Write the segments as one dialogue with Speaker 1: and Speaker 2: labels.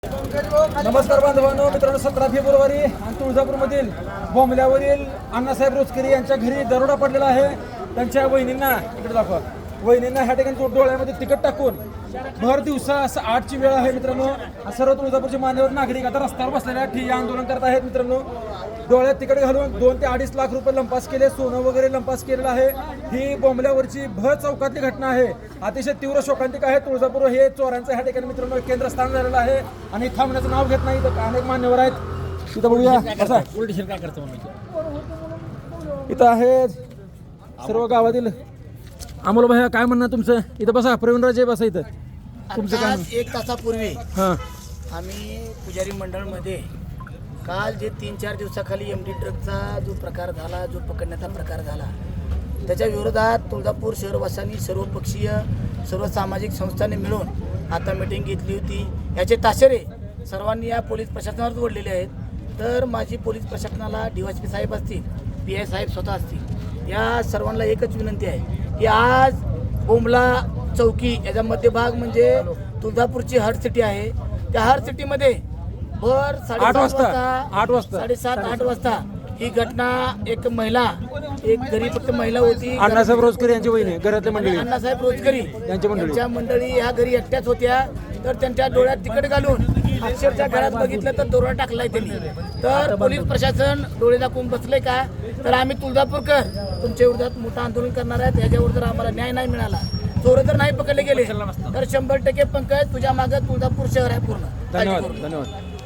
Speaker 1: नमस्कार बांधवांनो, मित्रांनो 17 फेब्रुवारी आणि तुळजापूरमधील बोंबल्यावरील अण्णासाहेब रोचकरी यांच्या घरी दरोडा पडलेला आहे. त्यांच्या वहिनींना इकडे दाखवा. वहिनींना ह्या ठिकाणी डोळ्यामध्ये तिकट टाकून भर दिवसा असं 8ची वेळ आहे मित्रांनो. सर्व तुळजापूरचे मान्यवर नागरिक आता रस्त्यावर बसलेल्या ठिय्या आंदोलन करत आहेत मित्रांनो. डोळ्यात तिकट घालून 2 ते 2.5 लाख रुपये लंपास केले, सोनं वगैरे लंपास केलेलं आहे. ही बोंबल्यावरची भर चौकातली घटना आहे. अतिशय तीव्र शोकांतिक आहे. तुळजापूर हे चोरांचं ह्या ठिकाणी मित्रांनो केंद्रस्थान झालेलं आहे आणि थांबण्याचं नाव घेत नाही. तर अनेक मान्यवर आहेत तिथं. बघूया कसं काय करतो. इथं आहे सर्व गावातील. अमोल भैया, काय म्हणणं तुमचं? इथं बसा. प्रवीणराजे बसा इथं. तुमचं काय?
Speaker 2: 1 तासापूर्वी
Speaker 1: हां
Speaker 2: आम्ही पुजारी मंडळमध्ये काल जे 3-4 दिवसाखाली एमडी ट्रकचा जो प्रकार झाला, जो पकडण्याचा प्रकार झाला, त्याच्या विरोधात तुळजापूर शहरवासियांनी सर्वपक्षीय सर्व सामाजिक संस्थांनी मिळून आता मीटिंग घेतली होती. याचे ताशेरे सर्वांनी या पोलीस प्रशासनावर ओढलेले आहेत. तर माझी पोलीस प्रशासनाला DYSP साहेब असतील, PI साहेब स्वतः असतील, या सर्वांना एकच विनंती आहे की आज बोंबला चौकी याचा मध्यभाग म्हणजे तुळजापूरची हर्ट सिटी आहे. त्या हर्ट सिटीमध्ये भर 8:30 वाजता 7:30-8 वाजता ही घटना एक महिला, एक गरीब फक्त महिला होती,
Speaker 1: अण्णासाहेब रोचकरी यांची वहिनी, घरातले मंडळी,
Speaker 2: अण्णासाहेब रोचकरी यांच्या मंडळी ह्या घरी एकट्याच होत्या. तर त्यांच्या डोळ्यात तिकट घालून अक्षरशः घरात बघितलं तर दरोडा टाकलाय त्यांनी. तर पोलीस प्रशासन डोळे दाखवून बसले का? तर आम्ही तुळजापूरकर तुमच्या विरोधात मोठं आंदोलन करणार आहेत. याच्यावर जर आम्हाला न्याय नाही मिळाला, चोर जर नाही पकडले गेले तर 100% पंकज तुझ्या मागे तुळजापूर शहर आहे पूर्ण.
Speaker 1: धन्यवाद. धन्यवाद.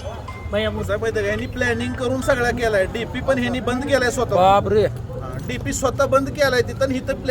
Speaker 3: ह्यांनी प्लॅनिंग करून सगळा केलाय. डीपी पण ह्यांनी बंद केलाय स्वतः.
Speaker 1: बापरे.
Speaker 3: डीपी स्वतः बंद केलाय तिथं.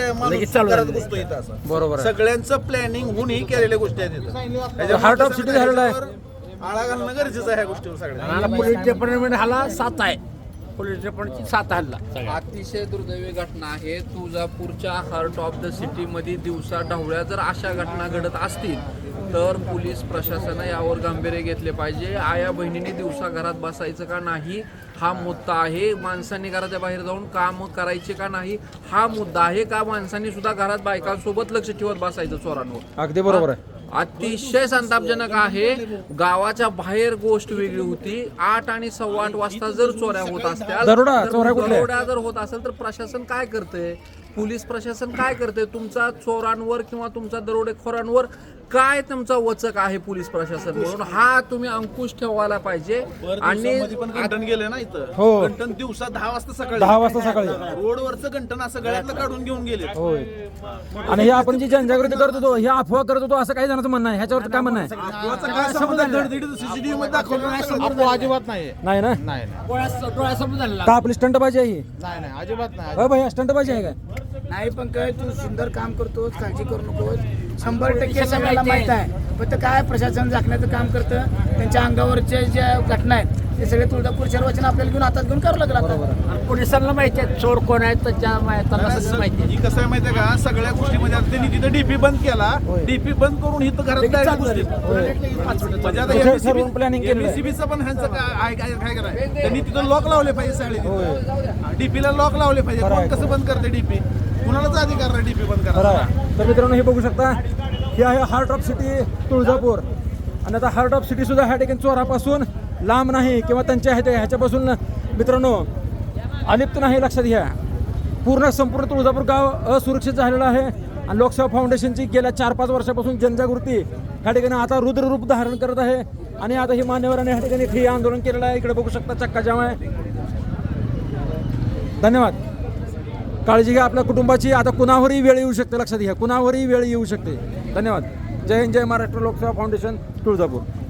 Speaker 3: इथं करत बसतो इथं असं.
Speaker 1: बरोबर आहे.
Speaker 3: सगळ्यांचं प्लॅनिंग होऊन ही केलेल्या गोष्टी आहेत इथं.
Speaker 1: हार्ट ऑफ सिटी झालेला आहे.
Speaker 3: आळा घालणं गरजेचं आहे ह्या गोष्टीवर सगळ्या.
Speaker 4: पोलीस डिपार्टमेंट हाला 7 आहे. पोलीस डिपार्टमेंटची 7 हल्ला.
Speaker 5: अतिशय दुर्दैवी घटना आहे. तुळजापूरच्या हार्ट ऑफ द सिटीमध्ये दिवसा ढवळ्या जर अशा घटना घडत असतील तर पोलीस प्रशासनाने यावर गांभीर्य घेतले पाहिजे. आया बहिणींनी दिवसा घरात बसायचं का नाही हा मुद्दा आहे. माणसांनी घराच्या बाहेर जाऊन काम करायचे का नाही हा मुद्दा आहे. का माणसांनी सुद्धा घरात बायकांसोबत लक्ष ठेवत बसायचं चोरांवर?
Speaker 1: अगदी बरोबर आहे.
Speaker 5: अतिशय संतापजनक आहे. गावाच्या बाहेर गोष्ट वेगळी होती. 8 आणि 8:15 वाजता जर चोऱ्या होत असत्या, दरोडा जर होत असेल तर प्रशासन काय करतंय? पोलीस प्रशासन काय करतंय? तुमचा चोरांवर किंवा तुमचा दरोडेखोरांवर काय तुमचा वचक आहे पोलीस प्रशासन म्हणून? हा तुम्ही अंकुश ठेवायला पाहिजे. आणि
Speaker 3: गंटन गेले ना इथं.
Speaker 1: हो.
Speaker 3: गंटन दिवसा 10 वाजता सकाळी.
Speaker 1: 10 वाजता सकाळी
Speaker 3: रोडवरचं गंटन असं गळ्यातलं काढून घेऊन गेले.
Speaker 1: होय. आणि हे आपण जी जनजागृती करत होतो, हे अफवा करत होतो, असं काही जणांचं म्हणणं आहे. ह्याच्यावर काय म्हणणं आहे?
Speaker 3: काय संबंध? CCTV मध्ये दाखवलं
Speaker 4: अजिबात नाही.
Speaker 1: नाही ना?
Speaker 4: नाही डोळ्यासमोर झालेला.
Speaker 1: का आपली स्टंटबाजी आहे ही?
Speaker 4: नाही अजिबात नाही.
Speaker 1: हो भैया, स्टंटबाजी आहे काय?
Speaker 2: नाही पंकज, तू सुंदर काम करतोस, काळजी करू नकोस. 100% सगळ्याला माहित आहे. फक्त काय प्रशासन झाकण्याचं काम करतं. त्यांच्या अंगावरच्या ज्या घटना आहेत ते सगळे तुळजापूर शहरवासियांना आपल्याला घेऊन हातात घेऊन करावं लागलं आता.
Speaker 4: आणि पोलिसांना माहिती आहे चोर कोण आहे, त्याच्या त्यांना सगळं माहिती आहे.
Speaker 3: ही कसं आहे माहितीये का? सगळ्या गोष्टीमध्ये आता त्यांनी तिथं डीपी बंद केला. डीपी बंद करून इथं घरात direct घुसले. म्हणजे आता
Speaker 1: सर्व planning केलेलं आहे.
Speaker 3: MSCB चं पण ह्यांचं काय करायचं? त्यांनी तिथं लॉक लावले पाहिजे सगळे. डीपीला लॉक लावले पाहिजे. कोण कसं बंद करते डीपी? कुणालाच अधिकार नाही डीपी बंद
Speaker 1: बरं
Speaker 3: करायला.
Speaker 1: आहे. तर मित्रांनो, हे बघू शकता, हे आहे हार्ट ऑफ सिटी तुळजापूर. आणि आता हार्ट ऑफ सिटी सुद्धा ह्या ठिकाणी चोरापासून लांब नाही किंवा त्यांच्या ह्याच्यापासून मित्रांनो अलिप्त नाही. लक्षात घ्या, संपूर्ण तुळजापूर गाव असुरक्षित झालेलं आहे. आणि लोकसेवा फाउंडेशनची गेल्या 4-5 वर्षापासून जनजागृती ह्या ठिकाणी आता रुद्ररूप धारण करत आहे. आणि आता ही मान्यवरांनी ह्या ठिकाणी ठिय्या आंदोलन केलेलं आहे. इकडे बघू शकता, चक्का जाम आहे. धन्यवाद. काळजी घ्या आपल्या कुटुंबाची. आता कुणावरही वेळ येऊ शकते. लक्षात घ्या, कुणावरही वेळ येऊ शकते. धन्यवाद. जय हिंद, जय महाराष्ट्र. लोकसेवा फाउंडेशन तुळजापूर.